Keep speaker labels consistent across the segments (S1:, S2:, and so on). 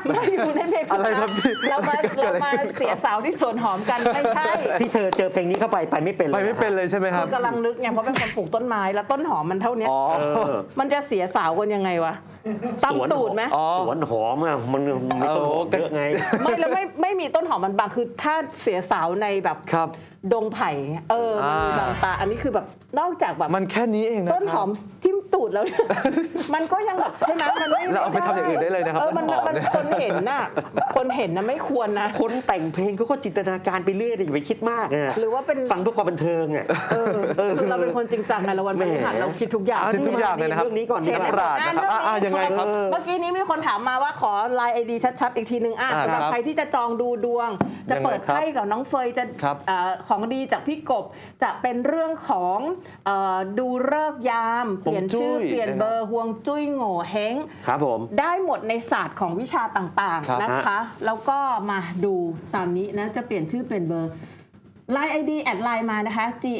S1: ไม่อยู่ในเพลงอะไรครับพี่เรามาเสียสาวที่สวนหอมกันไม่ใช่
S2: พี่เธอเจอเพลงนี้เข้าไปไม่เป็นเลย
S3: ไปไม่เป็นเลยใช่ไหมครับ
S1: กำลังนึกไงเพราะเป็นคนปลูกต้นไม้แล้วต้นหอมมันเท่านี้มันจะเสียสาวกันยังไงวะตำตูดไหม
S2: สวนหอมอ่ะมันไม่ต้นหอมเยอะไง
S1: ไม่แล้วไม่มีต้นหอมมันบางคือถ้าเสียสาวในแบบดงไผ่มันมีบางตาอันนี้คือแบบนอกจากแบบ
S3: มันแค่นี้เองนะ
S1: ต้นหอมทิ่มตูดแล้วมันก็ยังแบบใช่ไหมมันไม่
S3: เราเอาไปทำอย่างอื่นได้เลยนะครับ
S1: มันคนเห็นน่ะไม่ควรนะ
S2: คนแต่งเพลงเขาก็จินตนาการไปเรื่อยอย่าไปคิดมากอ่ะ
S1: หรือว่าเป็น
S2: ฟังเพื่อความบันเทิงอ่ะ
S1: คือเราเป็นคนจริงจังไงเราวันพฤหัสเราคิดทุกอย่าง
S3: คิดทุกอย่างเลยนะครับ
S2: เรื่องนี้ก่อน
S3: นี่ปราดยังไงครับ
S1: เมื่อกี้นี้มีคนถามมาว่าขอไลน์ ID ชัดๆอีกทีนึงสำหรับใครที่จะจองดูดวงจะเปิดไพ่กับน้องเฟยจะของดีจากพี่กบจะเป็นเรื่องของดูฤกษ์ยามเปลี่ยนชื่อเปลี่ยนเบอร์ฮวงจุ้ยโง่เฮง
S2: ครับผม
S1: ได้หมดในศาสตร์ของวิชาต่างๆนะคะแล้วก็มาดูตามนี้นะจะเปลี่ยนชื่อเปลี่ยนเบอร์ไลน์ ID แอดไลน์มานะคะ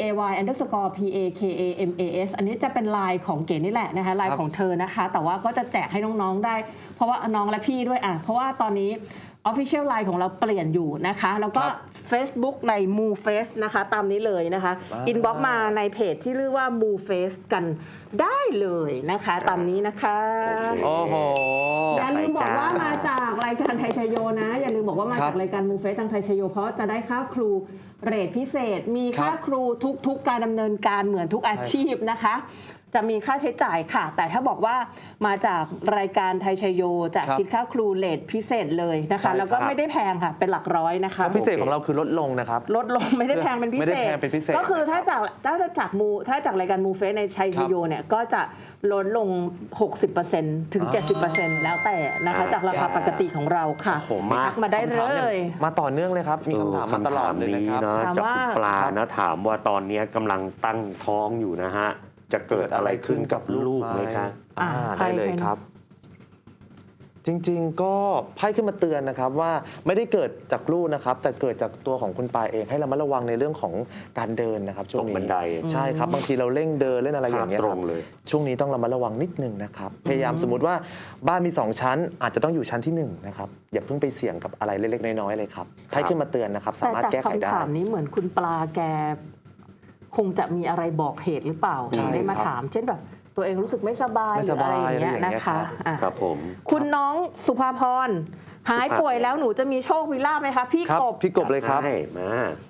S1: GAY_PAKAMAS อันนี้จะเป็นไลน์ของเก๋นี่แหละนะคะไลน์ของเธอนะคะแต่ว่าก็จะแจกให้น้องๆได้เพราะว่าน้องและพี่ด้วยเพราะว่าตอนนี้ Official Line ของเราเปลี่ยนอยู่นะคะแล้วก็ Facebook ใน Moo Face นะคะตามนี้เลยนะคะอินบ็อกซ์มาในเพจที่เรียกว่า Moo Face กันได้เลยนะคะตามนี้นะคะ
S3: โอ้โห
S1: อย่าลืมบอกว่ามาจากรายการไทยชโยนะอย่าลืมบอกว่ามาจากรายการ Moo Face ทางไทยชโยเพราะจะได้ค่าครูเรทพิเศษมีค่าครูทุกการดำเนินการเหมือนทุกอาชีพนะคะจะมีค่าใช้จ่ายค่ะแต่ถ้าบอกว่ามาจากรายการไทยชโยจะคิดค่าครูเรทพิเศษเลยนะคะแล้วก็ไม่ได้แพงค่ะเป็นหลักร้อยนะคะ
S3: พิเศษของเราคือลดลงนะครับ
S1: ลดลงไม่ได้แพงเป็นพิเศษก็คือถ้าจากรายการมูเฟสในชัยชโยเนี่ยก็จะลดลง 60% ถึง 70% แล้วแต่นะคะจากราคาปกติของเราค่ะมาได้เลย
S3: มาต่อเนื่องเลยครับมีคำถามมาตลอดเลยนะครับ
S2: จากคุณปลานะถามว่าตอนนี้กำลังตั้งท้องอยู่นะฮะจะเกิดอะไรขึ้นกับลูกไหมคะ
S3: ได้เลยครับจริงๆก็ไพ่ขึ้นมาเตือนนะครับว่าไม่ได้เกิดจากลูกนะครับแต่เกิดจากตัวของคุณปาเองให้เรามาระวังในเรื่องของการเดินนะครับช่วงนี้
S2: บันได
S3: ใช่ครับบางทีเราเร่งเดินเล่นอะไรอย่างเงี้ย
S2: ตรงเลย
S3: ช่วงนี้ต้องระมัดระวังนิดนึงนะครับพยายามสมมติว่าบ้านมี2ชั้นอาจจะต้องอยู่ชั้นที่1นะครับอย่าเพิ่งไปเสี่ยงกับอะไรเล็กๆน้อยๆเลยครับไพ่ขึ้นมาเตือนนะครับสามารถแก้ไขได้
S1: แต่จากคำถามนี้เหมือนคุณปลาแกคงจะมีอะไรบอกเหตุหรือเปล่าได้มาถามเช่นแบบตัวเองรู้สึกไม่สบายหรืออะไรอย่างเงี้ยนะคะ
S2: ครับผม
S1: คุณน้องสุภาพรหายป่วยแล้วหนูจะมีโชคมีลาภไหมคะพี่
S3: กบเลยครับ
S2: มา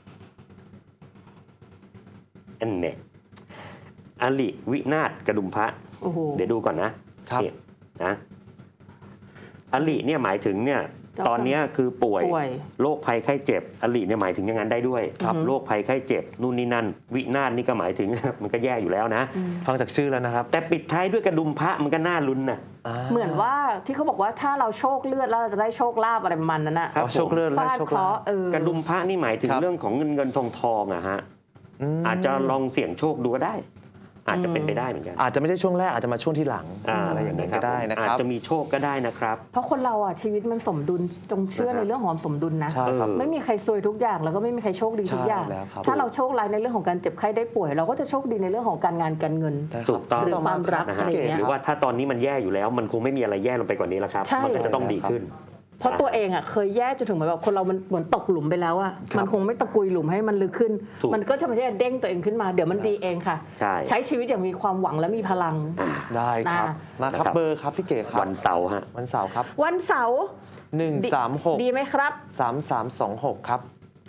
S2: อันเนี้ยอลิวินาศกระดุมพระเดี๋ยวดูก่อนนะครับนะอลิเนี่ยหมายถึงเนี่ยตอนนี้คือป่วยโรคภัยไข้เจ็บอลิเนี่ยหมายถึงอย่างนั้นได้ด้วยโรคภัยไข้เจ็บนู่นนี่นั่นวินาศนี่ก็หมายถึงมันก็แย่อยู่แล้วนะ
S3: ฟังจากชื่อแล้วนะครับ
S2: แต่ปิดท้ายด้วยกระดุมพระมันก็น่าลุ้นนะ
S1: เหมือนว่าที่เขาบอกว่าถ้าเราโชคเลือดแล้วเราจะได้โชคลาภอะไรประมาณนั้นนะ
S3: โชคเลือด
S1: ฟาดเคราะห์
S2: กระดุมพระนี่หมายถึงเรื่องของเงินทองอะฮะอาจจะลองเสี่ยงโชคดูก็ได้อาจจะเป็นไปได้เหมือนกัน
S3: อาจจะไม่ใช่ช่วงแรกอาจจะมาช่วงที่หลัง
S2: อะไรอย่างนั้น
S3: ก็ได้นะครับ
S2: อาจจะมีโชคก็ได้นะครับ
S1: เพราะคนเราอ่ะชีวิตมันสมดุลจงเชื่อในเรื่องของสมดุลนะไม่มีใครซวยทุกอย่างแล้วก็ไม่มีใครโชคดีทุกอย่างถ้าเราโชคร้ายในเรื่องของการเจ็บไข้ได้ป่วยเราก็จะโชคดีในเรื่องของการงานการเงิน
S2: ถูกต้อง
S1: หรือความรักอะไรอย่างเงี้ย
S2: หรือว่าถ้าตอนนี้มันแย่อยู่แล้วมันคงไม่มีอะไรแย่ลงไปกว่านี้แล้วครับมันก็จะต้องดีขึ้น
S1: เพราะตัวเองอ่ะเคยแย่จนถึงแบบคนเรามันเหมือนตกหลุมไปแล้วอ่ะมันคงไม่ตะกุยหลุมให้มันลึกขึ้นมันก็จะไม่ใช่เด้งตัวเองขึ้นมาเดี๋ยวมันดีเองค่ะใช้ชีวิตอย่างมีความหวังและมีพลัง
S3: ได้ครับมาครับเบอร์ครับพี่เก๋ครับ
S2: วันเสาร์ฮะ
S3: วันเสาร์ครับ
S1: วันเสาร์
S3: 136
S1: ดีไหมครับ
S3: 3326ครับ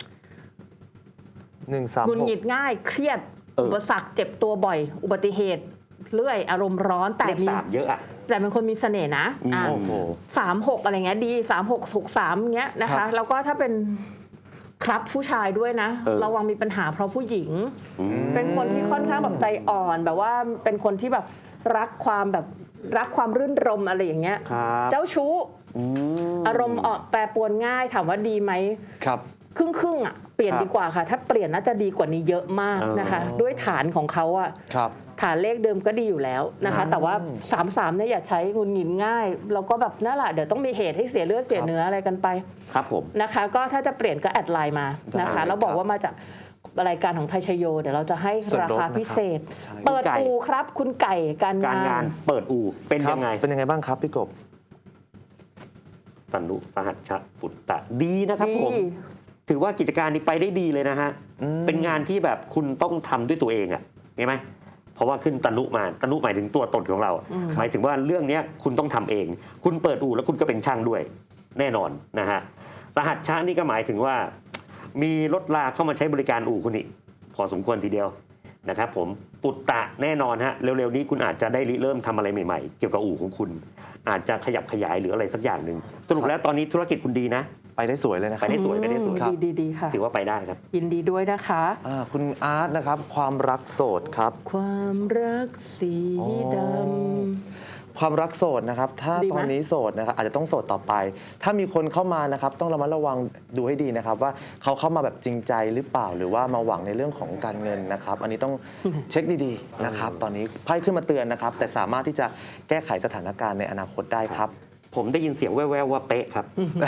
S3: 136
S1: หงุดหงิดง่ายเครียดอุปสรรคเจ็บตัวบ่อยอุบัติเหตุเรื่อยอารมณ์ร้อนแต่
S2: มีเยอะอะ
S1: แต่เป็นคนมีเสน่ห์นะ36อะไรเงี้ยดี3663เงี้ยนะคะแล้วก็ถ้าเป็นครับผู้ชายด้วยนะระวังมีปัญหาเพราะผู้หญิงเป็นคนที่ค่อนข้างแบบใจอ่อนแบบว่าเป็นคนที่แบบรักความรื่นรมอะไรอย่างเงี้ยเจ้าชู้อารมณ์แปรปรวนง่ายถามว่าดีไหม
S3: ครับ
S1: ครึ่งอ่ะเปลี่ยนดีกว่าค่ะถ้าเปลี่ยนน่าจะดีกว่านี้เยอะมากนะคะด้วยฐานของเขาอ่ะฐานเลขเดิมก็ดีอยู่แล้วนะคะแต่ว่า33เนี่ยอย่าใช้งุนหงิดง่ายแล้วก็แบบนั่นแหละเดี๋ยวต้องมีเหตุให้เสียเลือดเสียเนื้ออะไรกันไป
S2: ครับผม
S1: นะคะก็ถ้าจะเปลี่ยนก็แอดไลน์มานะคะแล้วบอกว่ามาจากรายการของไทยชโยเดี๋ยวเราจะให้ราคาพิเศษเปิดอู่ครับคุณไก่การงาน
S2: เปิดอู่เป็นยังไง
S3: บ้างครับพี่กบ
S2: ตนุสหัชชะปุตตะดีนะครับ
S1: ดี
S2: ผมถือว่ากิจการนี้ไปได้ดีเลยนะฮะเป็นงานที่แบบคุณต้องทำด้วยตัวเองอ่ะเห็นไหมเพราะว่าขึ้นตนุมาตนุหมายถึงตัวตนของเราหมายถึงว่าเรื่องนี้คุณต้องทำเอง คุณเปิดอู่แล้วคุณก็เป็นช่างด้วยแน่นอนนะฮะสหัชชะนี่ก็หมายถึงว่ามีรถลาเข้ามาใช้บริการอู่คุณอีกพอสมควรทีเดียวนะครับผมปุตตะแน่นอนฮะเร็วๆนี้คุณอาจจะได้ริเริ่มทำอะไรใหม่ๆเกี่ยวกับอู่ของคุณอาจจะขยับขยายหรืออะไรสักอย่างหนึ่งสรุปแล้วตอนนี้ธุรกิจคุณดีนะ
S3: ไปได้สวยเลยนะค
S2: ไป
S3: รับ
S2: ได้สวยไปได้สวย
S1: ดีค่ะ
S2: ถือว่าไปได้ครับ
S1: ยินดีด้วยนะคะ
S3: คุณอาร์ตนะครับความรักโสดครับ
S1: ความรักสีด
S3: ความรักโสดนะครับถ้า
S1: ดีไหม
S3: ตอนนี้โสดนะครับอาจจะต้องโสดต่อไป ถ้ามีคนเข้ามานะครับต้องระมัดระวังดูให้ดีนะครับว่าเขาเข้ามาแบบจริงใจหรือเปล่าหรือว่ามาหวังในเรื่องของการเงินนะครับอันนี้ต้องเช็คดีๆนะครับตอนนี้ไพ่ขึ้นมาเตือนนะครับแต่สามารถที่จะแก้ไขสถานการณ์ในอนาคตได้ครับ
S2: ผมได้ยินเสียงแว่วๆว่าเป๊ะครับ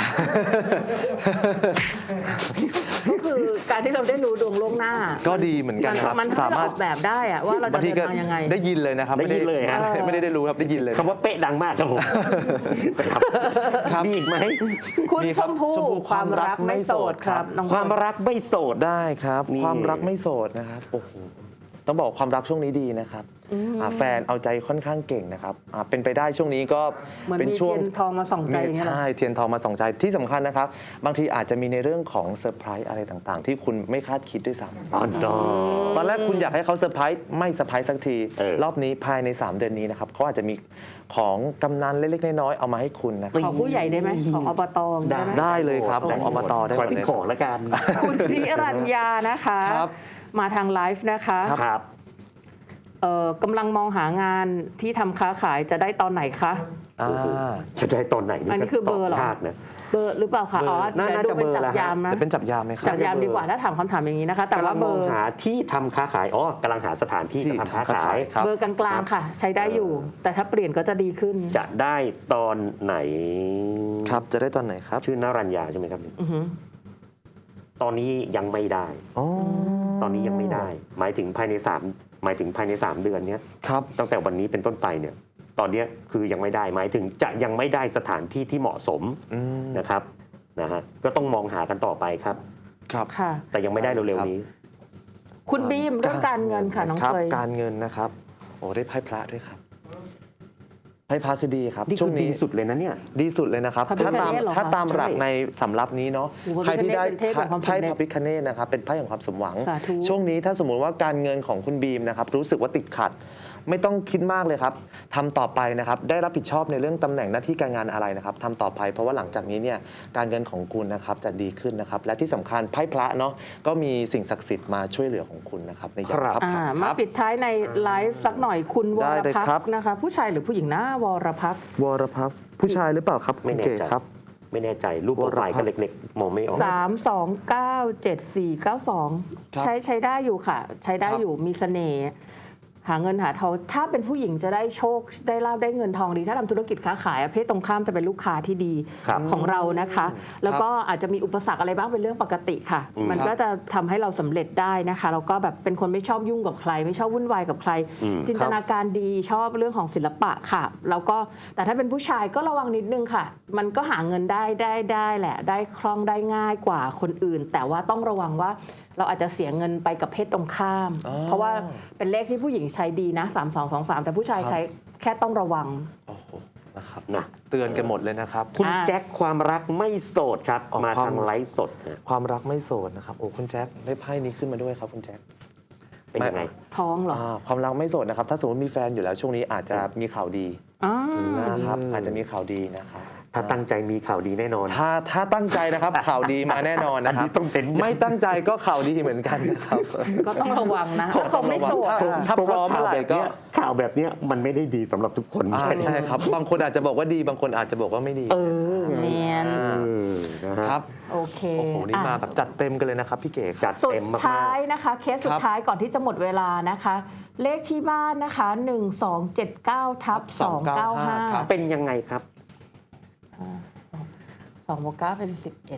S1: ำก็คือการที่เราได้รู้ดวงล่วงหน้า
S3: ก็ดีเหมือนกันครับ
S1: มันสามารถออกแบบได้อะว่าเราจะ
S3: บางที
S1: เดิน
S3: ก็
S1: ทางยังไง
S3: ได้ยินเลยนะครับ
S2: ได้ยินเลยฮะ
S3: ไม่ได้รู้ครับได้ยินเลย
S2: คำว่าเป๊ะดังมากครับผมครับ
S3: ครับ
S2: มีอีกไหม
S1: คุณ
S3: มี
S1: ช
S3: ครับ
S1: มพู่
S3: ชมพู่
S1: ความรักไม่โสดครับน้อง
S2: ความรักไม่โสด
S3: ได้ครับ
S2: นี่
S3: ความรักไม่โสดนะครับโอ้โหต้องบอกความรักช่วงนี้ดีนะครับแฟนเอาใจค่อนข้างเก่งนะครับเป็นไปได้ช่วงนี้ก็
S1: เหมือน
S3: เป็น
S1: มี
S3: ช่วง
S1: เทียนทองมาส่องใจอย่างเงี้ยเหรอ
S3: ใช่เทียนทองมาส่องใจที่สำคัญนะครับ บางทีอาจจะมีในเรื่องของเซอร์ไพรส์อะไรต่างๆ ที่คุณไม่คาดคิดด้วยซ้
S2: อ๋อดอ
S3: ำตอนแรกคุณอยากให้เขาเซอร์ไพรส์ไม่เซอร์ไพรส์สักที รอบนี้ภายใน 3 เดือนนี้นะครับเขาอาจจะมีของกำนันเล็กๆน้อยๆเอามาให้คุณนะครับ
S1: ของผู้ใหญ่ได้ไหมของอบตได้ไหม
S3: ได้เลยครับของอบตได้ห
S2: ข
S3: ม
S2: อ
S3: ด
S2: เป็น
S3: เลย
S2: ของแล้วกัน
S1: คุณพิรัญญานะคะ
S3: ครับ
S1: มาทางไลฟ์นะคะ
S2: ครับ
S1: กำลังมองหางานที่ทำค้าขายจะได้ตอนไหนคะ
S3: อ่า
S2: จะได้ตอนไหน
S1: อันนี้คือเบอร์เหรอ
S2: ตยากนะ
S1: เบอร์หรือเปล่าคะ
S3: เบอร์
S1: อ๋อ
S2: น่า
S1: เดี๋ยวดูเป็น
S2: จะเบอร์
S1: จับ
S2: ละฮะ
S1: ยามนะ
S3: จะเป็นจับยามไหมครั
S1: จั
S3: บ
S1: บยามดีกว่าถ้าถามคำถามอย่างนี้นะคะ แต่
S2: กำลั
S1: ว่าง เบ
S2: ม
S1: อ
S2: อง
S1: ร์
S2: หาที่ทำค้าขายอ๋อกำลังหาสถานที่
S3: ที่
S2: จะทำค้าขาย
S3: ครับ
S1: เบอร์กลางๆค่ะ ใช้ได้อยู่ แต่ถ้าเปลี่ยนก็จะดีขึ้น
S2: จะได้ตอนไหน
S3: ครับจะได้ตอนไหนครับ
S2: ชื่อนรัญญาใช่ไหมครับ
S1: อือหือ
S2: ตอนนี้ยังไม่ได้
S3: อ๋อ
S2: ตอนนี้ยังไม่ได้ หมายถึงภายใน3เดือนเนี้ย
S3: ครับ
S2: ตั้งแต่วันนี้เป็นต้นไปเนี่ย ตอนเนี้ยคือยังไม่ได้ หมายถึงจะยังไม่ได้สถานที่ที่เหมาะสม
S3: อืม
S2: นะครับนะฮะก็ต้องมองหากันต่อไปครับ
S3: ครับ
S1: ค่ะ
S2: แต่ยังไม่ได้เร็วๆนี้
S1: คุณบีมเรื่องการเงินค่ะน้อง
S3: ครับ
S1: เฟย
S3: การเงินนะครับโอ้ได้ไพ่พระด้วยครับไพ่พระคือดีครับ
S2: นี่
S3: ช่
S2: คื
S3: ว
S2: อง ดี
S3: นี้
S2: สุดเลยนะเนี่ย
S3: ดีสุดเลยนะครับ
S1: พระพิฆเนศ
S3: ถ้าตาม
S1: เหรอคะ
S3: ถ้าตามหลัก
S2: ใช่
S3: ในสำรับนี้เนาะ
S1: โอ้โห
S3: ใครที่ได้
S1: เป็นเทพแห่งความสำเร็จ
S3: ไพ่พระพิฆเนศนะครับเป็นไพ่แห่งความสมหวัง
S1: สาธุ
S3: ช่วงนี้ถ้าสมมุติว่าการเงินของคุณบีมนะครับรู้สึกว่าติดขัด ไม่ต้องคิดมากเลยครับทำต่อไปนะครับได้รับผิดชอบในเรื่องตำแหน่งหน้าที่การงานอะไรนะครับทำต่อไปเพราะว่าหลังจากนี้เนี่ยการเงินของคุณนะครับจะดีขึ้นนะครับและที่สำคัญไพ่พระเนาะก็มีสิ่งศักดิ์สิทธิ์มาช่วยเหลือของคุณนะครับในยาม
S2: ครับ
S3: คับ
S1: อ่า
S3: ขันค
S1: มา
S3: รับ
S1: ปิดท้ายในไลฟ์สักหน่อยคุณว
S3: ได้
S1: ร
S3: เลย
S1: พัก
S3: ครับ
S1: ษ์นะคะ ผู้ชายหรือผู้หญิงนะวรพักษ์
S3: วรพักษ์ผู้ชายหรือเปล่าครับ
S2: ไม่
S3: คุณ
S2: แน่
S3: เก๋
S2: ใจ
S3: ครับ
S2: ไม่แน่ใจรูปโปรไฟล์ก็เล็กๆ มองไม่ออก
S1: 3297492
S3: ครับ
S1: ใช้ได้อยู่ค่ะ ใช้ได้
S3: ครับ
S1: อยู่มีเสน่ห์หาเงินหาทองถ้าเป็นผู้หญิงจะได้โชคได้ลาบได้เงินทองดี ถ้าทำธุรกิจค้าขายเพศตรงข้ามจะเป็นลูกค้าที่ดี
S2: ครับ
S1: ของเรานะคะ แล้วก็อาจจะมีอุปสรรคอะไรบ้างเป็นเรื่องปกติค่ะ
S2: อืม
S1: มันก็จะทำให้เราสำเร็จได้นะคะแล้วก็แบบเป็นคนไม่ชอบยุ่งกับใคร ไม่ชอบวุ่นวายกับใคร
S2: อืม
S1: จินตนาการดีชอบเรื่องของศิลปะค่ะ แล้วก็แต่ถ้าเป็นผู้ชายก็ระวังนิดนึงค่ะ มันก็หาเงินได้แหละ ได้คล่องได้ง่ายกว่าคนอื่น แต่ว่าต้องระวังว่าเราอาจจะเสียเงินไปกับเพศตรงข้าม
S3: อ๋อ
S1: เพราะว่าเป็นเลขที่ผู้หญิงใช้ดีนะ3223แต่ผู้ชายใช้แค่ต้องระวัง
S3: โอ้โหนะครับ
S2: นะ
S3: เตือนกันหมดเลยนะครับ
S2: คุณแจ็คความรักไม่โสดครับ
S3: อ๋อ
S2: มา
S3: ความ
S2: ทางไลฟ์สดนะ
S3: ความรักไม่โสดนะครับโอ้คุณแจ็คได้ไพ่นี้ขึ้นมาด้วยครับคุณแจ็ค
S2: เป็นยังไง
S1: ท้องเหรอ
S3: ความรักไม่โสดนะครับถ้าสมมติมีแฟนอยู่แล้วช่วงนี้อาจจะมีข่าวดี
S1: อ่า
S3: นะครับอาจจะมีข่าวดีนะครับ
S2: ถ้าตั้งใจมีข่าวดีแน่นอน
S3: ถ้าตั้งใจนะครับ ข่าวดีมาแน่นอนนะค
S2: อัน
S3: รั
S2: นี้
S3: บ
S2: ต้องเป็น
S3: ไม่ตั้งใจก็ข่าวดีเหมือนกันนะครับ
S1: ก็ต้องระวังนะถ้าเขาไม่โสด
S3: ถ้า
S1: อะ
S3: ถ้าพร้อมเมื่อไหร่ก็
S2: ข่าวแบบเนี้ยมันไม่ได้ดีสำหรับทุกคน
S3: ใช่ครับบางคนอาจจะบอกว่าดีบางคนอาจจะบอกว่าไม่ดี
S1: เนียน
S2: นะฮะ
S3: ครับ
S1: โอเค
S3: โอ้โหนี่มา
S1: อ่ะ
S3: แบบจัดเต็มกันเลยนะครับพี่เก๋ค
S2: จั
S3: รับ
S2: ด
S1: สุด
S2: เต็มมาก
S1: ท้ายนะคะ เคสสุดท้ายก่อนที่จะหมดเวลานะคะ เลขที่บ้านนะคะ1279/295
S3: ครับ
S2: ๆเป็นยังไงครับ
S1: 2 บวก 9 เป็น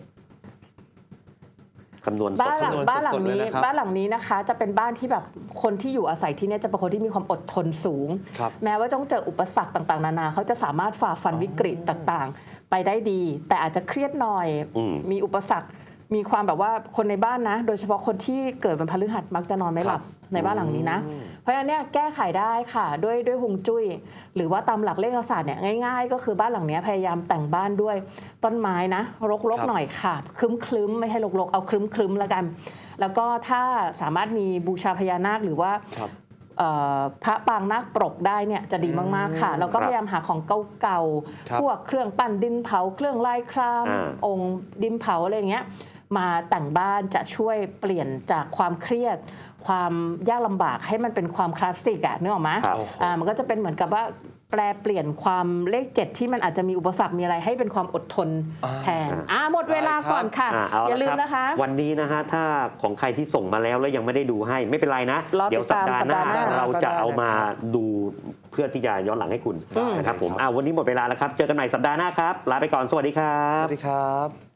S2: คำนวณส
S1: 11
S2: ด
S3: คำนวณสดๆเลยนะครับ
S1: บ้านหลังนี้นะคะ จะเป็นบ้านที่แบบคนที่อยู่อาศัยที่เนี่ยจะเป็นคนที่มีความอดทนสูง
S3: ครับ
S1: แม้ว่าต้องเจออุปสรรคต่างๆ นานาเขาจะสามารถฝ่าฟันวิกฤตต่างๆไปได้ดี แต่อาจจะเครียดหน่อย มีอุปสรรคมีความแบบว่าคนในบ้านนะ โดยเฉพาะคนที่เกิดวันพฤหัสมักจะนอนไม่หลับในบ้านหลังนี้นะ เพราะฉะนั้นเนี่ยแก้ไขได้ค่ะด้วยฮวงจุ้ยหรือว่าตามหลักเลขศาสตร์เนี่ยง่ายๆ ก็คือบ้านหลังนี้พยายามแต่งบ้านด้วยต้นไม้นะรกๆหน่อยค่ะคลึ้มๆไม่ให้รกๆเอาคลึ้มๆแล้วกัน แล้วก็ถ้าสามารถมีบูชาพญานาคหรือว่าพระปางนาคปรกได้เนี่ยจะดีมากๆค่ะแล้วก็พยายามหาของเก่าๆพวกเครื่องปั้นดินเผาเครื่องลายครามองค์ดินเผาอะไรอย่างเงี้ยมาแต่งบ้านจะช่วยเปลี่ยนจากความเครียดความยากลำบากให้มันเป็นความคลาสสิกอะนึกออกไหมมันก็จะเป็นเหมือนกับว่าแปลเปลี่ยนความเลข7ที่มันอาจจะมีอุปสรรคมีอะไรให้เป็นความอดทนแทนหมดเวลาก่อนค่ะอย่าลืมนะคะ
S2: วันนี้นะฮะถ้าของใครที่ส่งมาแล้วยังไม่ได้ดูให้ไม่เป็นไรนะเดี๋ยวสัปดาห์หน้าเราจะเอามาดูเพื่อที่จะย้อนหลังให้คุณนะครับผมวันนี้หมดเวลาแล้วครับเจอกันใหม่สัปดาห์หน้าครับลาไปก่อนสวัสดีครับ
S3: สวัสดีครับ